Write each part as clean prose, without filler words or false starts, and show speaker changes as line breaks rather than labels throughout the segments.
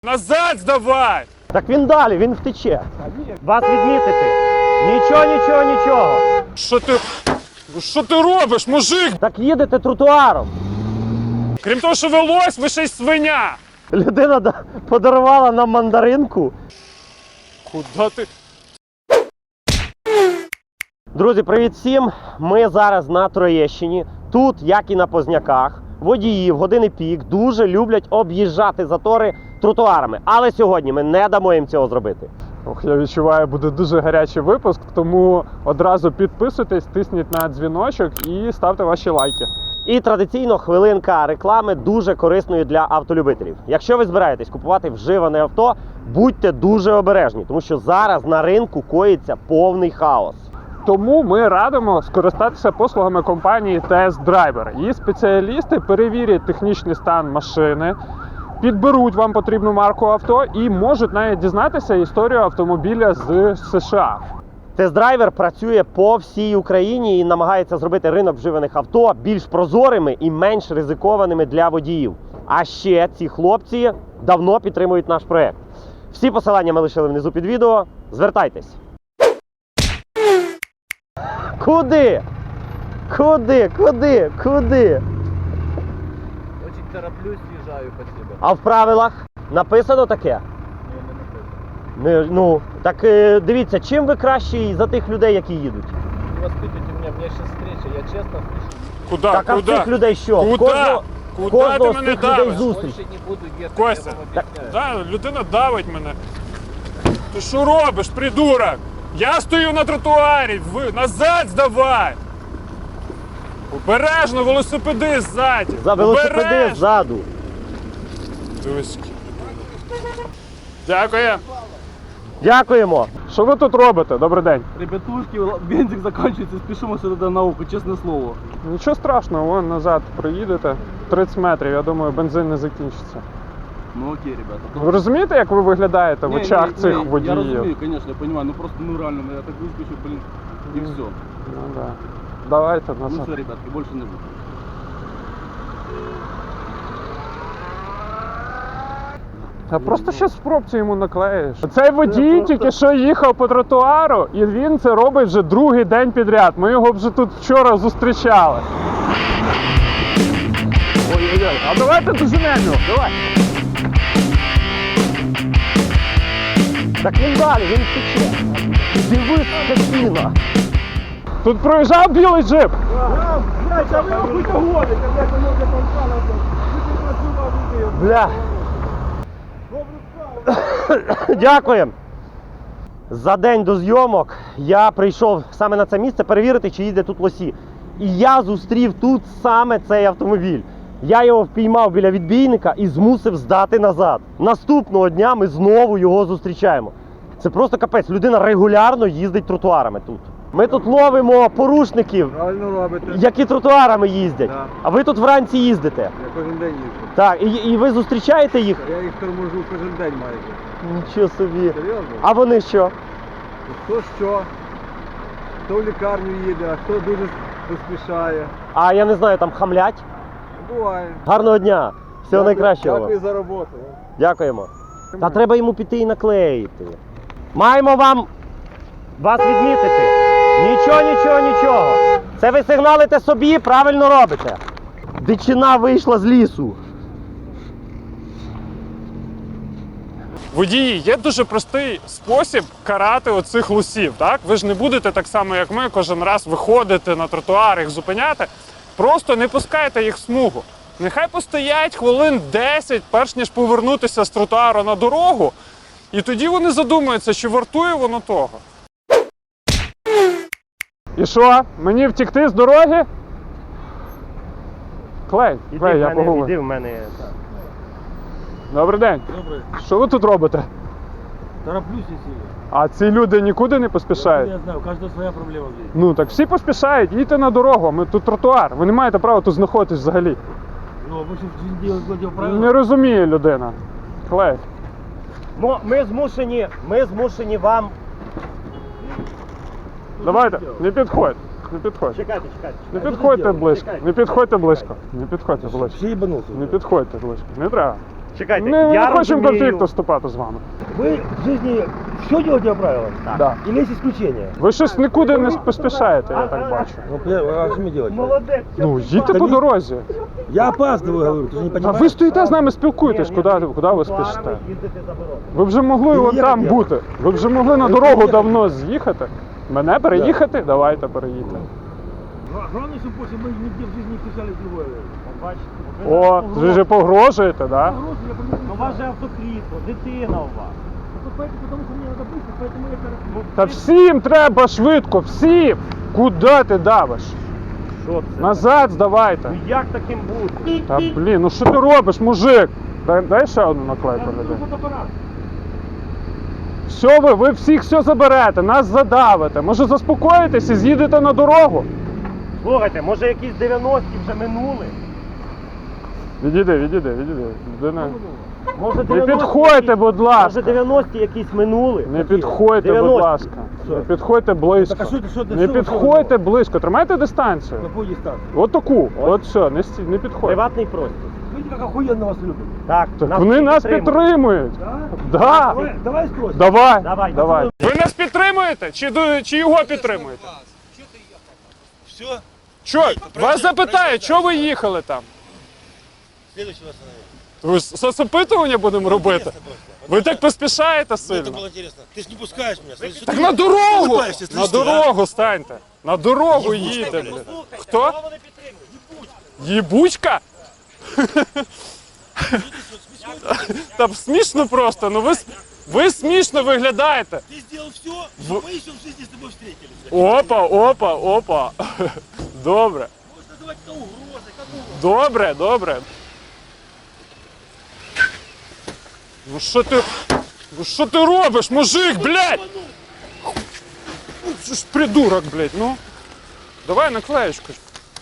Назад здавай!
Так він далі, він втече. Вас відмітити. Нічого.
Що ти робиш, мужик?
Так їдете тротуаром.
Крім того, що велось, ви ще й свиня.
Людина подарувала нам мандаринку.
Куда ти?
Друзі, привіт всім! Ми зараз на Троєщині. Тут, як і на Позняках, водії в години пік дуже люблять об'їжджати затори тротуарами. Але сьогодні ми не дамо їм цього зробити.
Ох, я відчуваю, буде дуже гарячий випуск, тому одразу підписуйтесь, тисніть на дзвіночок і ставте ваші лайки.
І традиційно хвилинка реклами дуже корисною для автолюбителів. Якщо ви збираєтесь купувати вживане авто, будьте дуже обережні, тому що зараз на ринку коїться повний хаос.
Тому ми радимо скористатися послугами компанії Test Driver. Її спеціалісти перевірять технічний стан машини, підберуть вам потрібну марку авто і можуть навіть дізнатися історію автомобіля з США.
Тест-драйвер працює по всій Україні і намагається зробити ринок вживаних авто більш прозорими і менш ризикованими для водіїв. А ще ці хлопці давно підтримують наш проект. Всі посилання ми лишили внизу під відео. Звертайтесь. Куди? Куди?
Очень тороплюсь, съезжаю по тебе.
А в правилах написано таке?
Не написано.
Ну, так дивіться, чим ви кращі за тих людей, які їдуть?
Не воспитывайте меня сейчас встреча, я честно впишу.
Куда?
Так, а в цих людей що?
Куда? Куда ти
Кожного з
мене
цих людей
давиш?
зустріч.
Больше не буду ехать,
Костя,
я вам
так-
объясняю.
Да, людина давить мене. Ти що робиш, придурок? Я стою на тротуарі, ви назад здавай! Обережно, велосипеди ззаді!
За велосипеди
Обережно!
ззаду.
Дивись. Дякую.
Дякуємо.
Що ви тут робите? Добрий день.
Ребятушки, бензик заканчивается, спешим сюда на науку, честное слово.
Нічого страшного, вон назад проїдете 30 метрів, я думаю, бензин не закінчиться.
Ну окей, ребята.
Ви розумієте, як ви виглядаєте в очах цих
Я
водіїв?
разумею, конечно, я понимаю, ну просто, ну реально, я так выскочу, блин, и все.
Ну да. Давайте
Ну
назад.
все, ребятки, больше не буду.
Та просто щас в пробці йому наклеїш. Цей водій тільки що їхав по тротуару, і він це робить вже другий день підряд. Ми його вже тут вчора зустрічали. Ой-ой-ой, а давайте доженемо його, давай.
Так він далі, він втече. Дивись, скотина.
Тут проїжджав білий джип.
Бля. Дякуємо. За день до зйомок я прийшов саме на це місце перевірити, чи їде тут лосі. І я зустрів тут саме цей автомобіль. Я його впіймав біля відбійника і змусив здати назад. Наступного дня ми знову його зустрічаємо. Це просто капець. Людина регулярно їздить тротуарами тут. Ми тут ловимо порушників,
Правильно робите.
які тротуарами їздять.
Да.
А ви тут вранці їздите.
Я кожен день їжджу.
Так, і ви зустрічаєте їх?
Я їх торможу кожен день майже.
Нічого собі.
Серйозно?
А вони що?
Хто що? Хто в лікарню їде, а хто дуже поспішає.
А я не знаю, там хамлять?
Буває.
Гарного дня! Всього найкращого.
Дякую за роботу.
Дякуємо. Та треба йому піти і наклеїти. Маємо вас відмітити. Нічого. Це ви сигналите собі, правильно робите. Дичина вийшла з лісу.
Водії, є дуже простий спосіб карати оцих лосів, так? Ви ж не будете так само, як ми, кожен раз виходити на тротуар, їх зупиняти. Просто не пускайте їх в смугу. Нехай постоять хвилин 10, перш ніж повернутися з тротуару на дорогу, і тоді вони задумаються, чи вартує воно того.
І що? Мені втекти з дороги? Клей, я погубив.
Іди в мене.
Добрий день.
Добре.
Що ви тут робите?
Тороплюсь и сильно.
А ці люди нікуди не поспішають?
Я знаю, у каждого своя проблема в жизни.
Ну так всі поспішають, їдьте на дорогу, ми тут тротуар. Ви не маєте права тут знаходитись взагалі.
Ну, вы что, в жизни делать правила?
Не розуміє людина. Клей.
Ми змушені вам...
Давайте, не підходь. Не підходь.
Чекайте.
Не підходьте близько. Не підходьте близько. Не підходьте близько.
Все ебанулся.
Не підходьте близько. Не треба.
Чекайте,
Ми не
я
хочемо
розумію.
конфлікту вступати з вами.
Вы в жизни все делаете по правилам?
Так.
Да.
Или есть исключения?
Ви щось нікуди не поспішаєте, я так бачу.
Ну, а что мне делать?
Молодець.
Ну, їдьте по дорозі.
Я опаздываю, говорю, ты же не
А
понимаешь?
ви стоїте з нами, спілкуєтесь, куди ви спішите? Ви вже могли от там бути. Ви вже могли на дорогу давно з'їхати. Мене переїхати? Давайте переїдьте.
Главное, чтобы после мы нигде в жизни не вписались в другое.
О, ви вже погрожуєте, да?
У вас же автокрісло, дитина у вас.
Потому что мне надо быстро, поэтому я тороплюсь.
Та всім треба швидко, всім! Куди ти давиш?
Що це?
Назад здавайте.
Ну як таким бути?
Та блін, ну що ти робиш, мужик? Дай ще одну наклейку людей. Все ви всіх все заберете, нас задавите. Може заспокоїтесь і з'їдете на дорогу?
Слухайте, може якісь 90-ті вже минули?
Відійди. Людина.
Може
Не
90-ті
підходьте,
якісь-
будь ласка.
Може 90-ті якісь минули?
Не підходьте, будь
90-ті.
ласка. Не підходьте близько.
Так, а що ти-
Не
що-
підходьте близько. Тримайте дистанцію.
Какой дистанции?
От таку. От все, не підходьте.
Приватний простір.
Видите, как охуенно вас любят.
Так,
Так вони нас підтримують.
Да?
Да.
Давай спросим.
Давай.
Давай.
Ви нас підтримуєте? Чи його підтримуєте?
Все?
Що? Вас запитають, чого ви їхали там?
Следующего остановить.
Ви ж соцопитування будемо робити? Ви так поспішаєте
Мне это
сильно?
было интересно. Ты ж не пускаешь меня. Слышишь,
Так
ты
на дорогу!
улыбаешься,
На
слышишь, а?
дорогу станьте! На дорогу їдьте, блін. Хто? Їбучка? Там смішно просто, ну ви смішно виглядаєте.
Ты сделал все, что мы еще в жизни с тобой встретились.
Опа. Добре.
Можешь называть это угрозой, как угодно.
Добре. Ну що ти робиш, мужик, блядь? Що ж придурок, блядь, ну. Давай наклеєчку.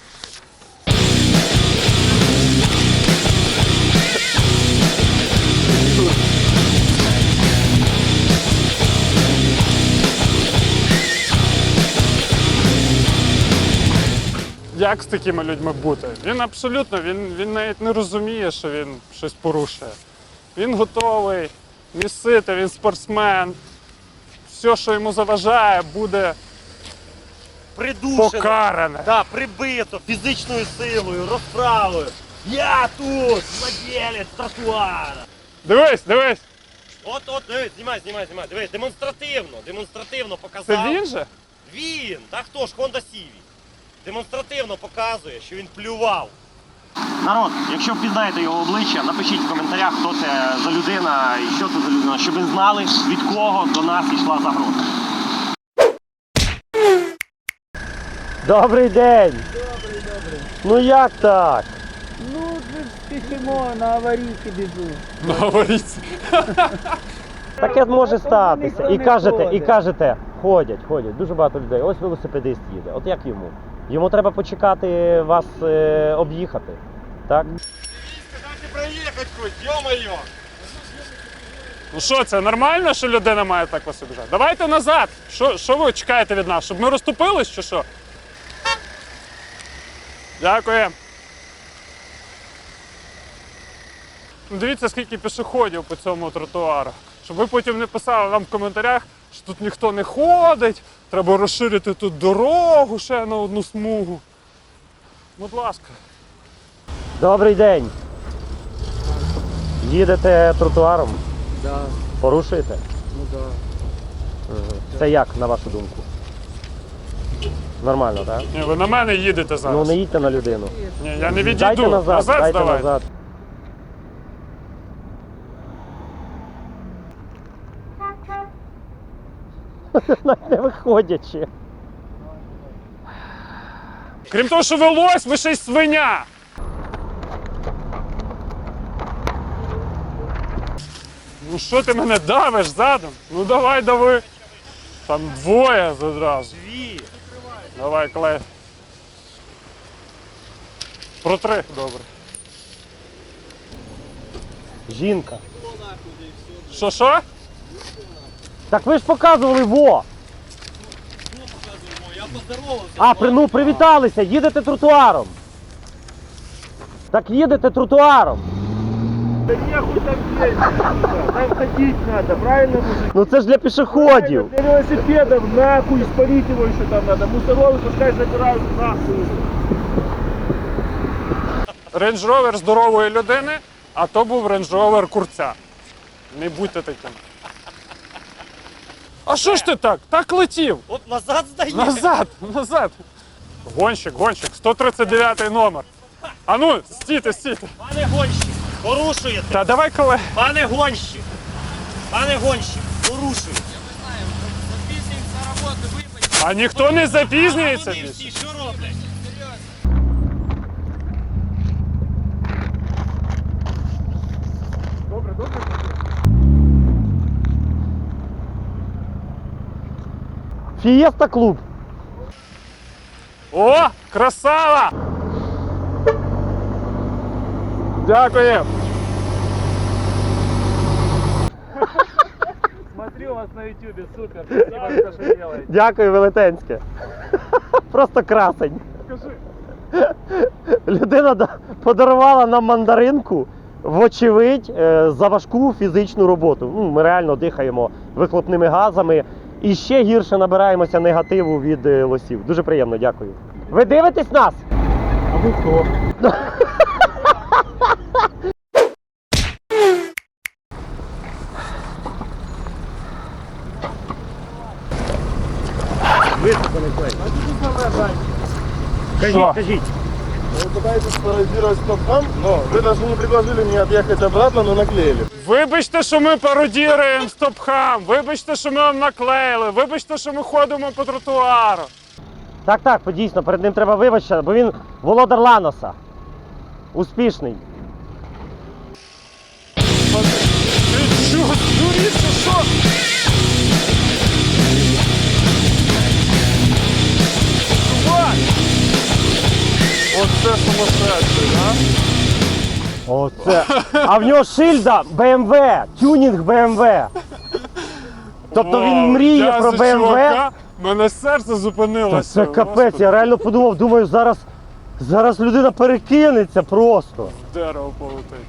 Як з такими людьми бути? Він абсолютно, він навіть не розуміє, що він щось порушує. Він готовий місити, він спортсмен. Все, що йому заважає, буде
Придушено.
покаране.
Да, прибито фізичною силою, розправою. Я тут, владелець тротуара.
Дивись.
От, дивись, знімай. Дивись, демонстративно
Це
показав.
він же?
Він, та хто ж, Honda Civic. Демонстративно показує, що він плював. Народ, якщо впізнаєте його обличчя, напишіть в коментарях, хто це за людина і що це за людина, щоб ви знали, від кого до нас йшла загроза. Добрий день! Ну як так?
Ну, спішимо, на аварійки біжу.
Говоріть.
Таке може статися.
ніхто не
І кажете, ходять. Дуже багато людей. Ось велосипедист їде. От як йому? Йому треба почекати вас об'їхати. Так?
Ну що, це нормально, що людина має так вас обіжати? Давайте назад. Що ви чекаєте від нас? Щоб ми розступились чи що? Дякую. Ну, дивіться, скільки пішоходів по цьому тротуару. Щоб ви потім не писали нам в коментарях, що тут ніхто не ходить, треба розширити тут дорогу ще на одну смугу. Будь ласка.
Добрий день. Їдете тротуаром?
Да,
Порушуєте?
ну да.
Це як, на вашу думку? Нормально, так?
Ні, ви на мене їдете зараз.
Ну не їдьте на людину.
Ні, я не відійду.
Дайте назад, дайте
здавайте.
назад. Навіть не виходячи.
Крім того, що ви лось, ви ще й свиня. Ну що ти мене давиш задом? Ну давай дави. Там двоє одразу.
Дві.
Давай, клей. Протри, добре.
Жінка.
Що?
Так ви ж показували во! Ну привіталися, їдете тротуаром. Так їдете тротуаром.
Да нехуй там ездить, там ходить надо, правильно, мужик?
Ну це ж для пішоходів.
Для велосипедов нахуй, спалить его еще там надо. Мусоровы пускай забирают нахуй.
Range Rover здорової людини, а то був Range Rover курця. Не будьте таким. А що ж ти так? Так летів.
От назад здає.
Назад. Гонщик, 139 номер. А ну, стійте.
Пане гонщик, порушуєте.
Та давай, колеги.
Пане гонщик, порушуєте.
А ніхто не запізнюється
Вони
більше.
всі що роблять?
Фієста клуб.
О, красава! Дякую.
Смотрю вас на ютубе, супер. Спасибо, что делаете.
Дякую, велетенське. Просто красень. Людина подарувала нам мандаринку, вочевидь, за важку фізичну роботу. Ну, ми реально дихаємо вихлопними газами і ще гірше набираємося негативу від лосів. Дуже приємно, дякую. Ви дивитесь нас?
А вы кто?
Що?
Кажіть.
Вы пытаетесь пародировать стоп-хам, но вы даже не предложили мне отъехать обратно, но наклеили.
Вибачте, що ми пародіруємо стопхам, вибачте, що ми вам наклеїли, вибачте, що ми ходимо по тротуару.
Так, дійсно, перед ним треба вибачити, бо він володар Ланоса. Успішний.
Ти чого, дуріться, що? Чувак! Оце сумасшедший, да?
Оце. А в нього шильда BMW, тюнінг BMW. Тобто він мріє
Я
про
за
BMW.
чувака, мене серце
Та
зупинилося.
це капець,
Господи,
я реально подумав, думаю, зараз людина перекинеться просто.
дерево полетить.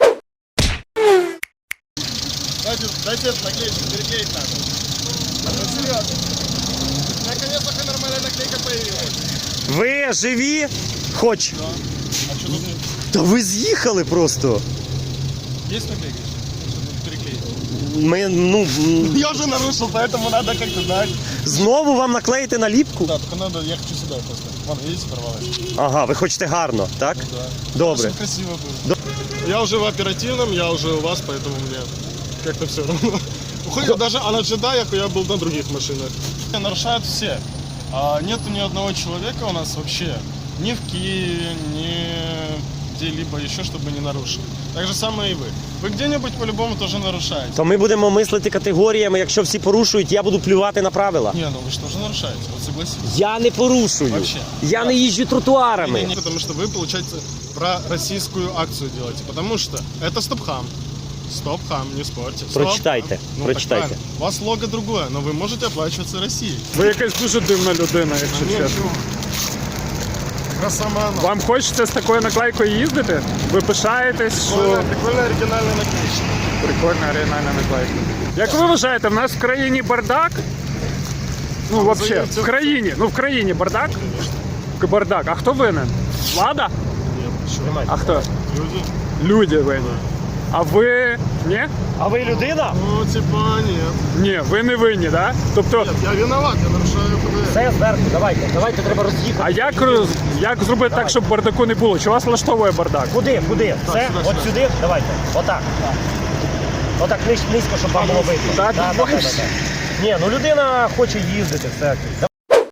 Дайте наклеечку, переклеить надо. Серьезно. Наконец-то нормальная наклейка появилась.
Ви живі? Хоч.
А что тут нет?
Та ви з'їхали просто.
Есть наклейка? Переклеить.
Ми,
Я уже нарушил, поэтому надо как-то знать.
знову вам наклеїти наліпку?
Да, только надо, я хочу сюда просто. Вон, видите, порвалась.
Ага, ви хочете гарно, так?
Да.
Добре.
Очень красиво будет. Я уже в оперативном, я уже у вас, поэтому мне как-то все равно. Уходит даже, а на джедаях я был на других машинах. Нарушают все. А нету ни одного человека у нас вообще, ни в Киеве, ни где-либо еще, чтобы не нарушили. Так же самое и вы. Вы где-нибудь по-любому тоже нарушаете.
То ми будемо мислити категоріями, якщо всі порушують, я буду плювати на правила.
Не, ну вы что же нарушаете? Вот согласитесь.
Я не порушую.
Вообще.
Я не їжджу тротуарами.
Не, потому что вы, получается, про российскую акцию делаете. Потому что это стоп-хам. Стоп-хам, не спорьте. Стоп.
Прочитайте,
Ну,
прочитайте.
так правильно. У вас лого другое, но вы можете оплачиваться Россией.
Ви якась дуже дивна людина, якщо чесно.
Красоман.
Вам хочеться з такою наклейкою їздити? Ви пишаєтесь, що
Прикольная оригинальная наклеечка.
прикольна оригінальна наклейка. Як ви вважаєте, в нас в країні бардак? Ну, взагалі, в країні бардак? Бардак. А хто винен? Влада? А хто?
Люди.
Люди винні. А ви ні?
А ви людина?
Ну, типа, нет.
Ні, ви не винні, так? Тобто,
Нет, я виноват, я нарушаю ПДР.
Все зверху, давайте треба роз'їхати.
а як зробити так, щоб бардаку не було? Чи вас влаштовує бардак?
Куди? Все?
сюди,
От
сюди.
сюди? Давайте. Отак. Отак низько, щоб вам було видно.
Так,
Да. Ні, ну людина хоче їздити, все окей.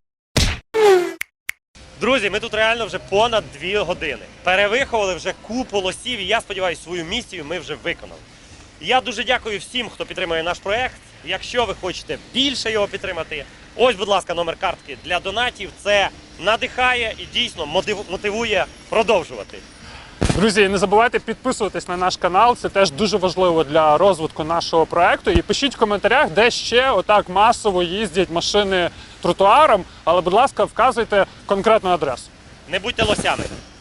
Друзі, ми тут реально вже понад 2 години. Перевиховували вже купу лосів, і я сподіваюся, свою місію ми вже виконали. Я дуже дякую всім, хто підтримує наш проект. Якщо ви хочете більше його підтримати, ось, будь ласка, номер картки для донатів. Це надихає і дійсно мотивує продовжувати.
Друзі, і не забувайте підписуватись на наш канал, це теж дуже важливо для розвитку нашого проекту. І пишіть в коментарях, де ще отак масово їздять машини тротуаром, але, будь ласка, вказуйте конкретну адресу.
Не будьте лосями.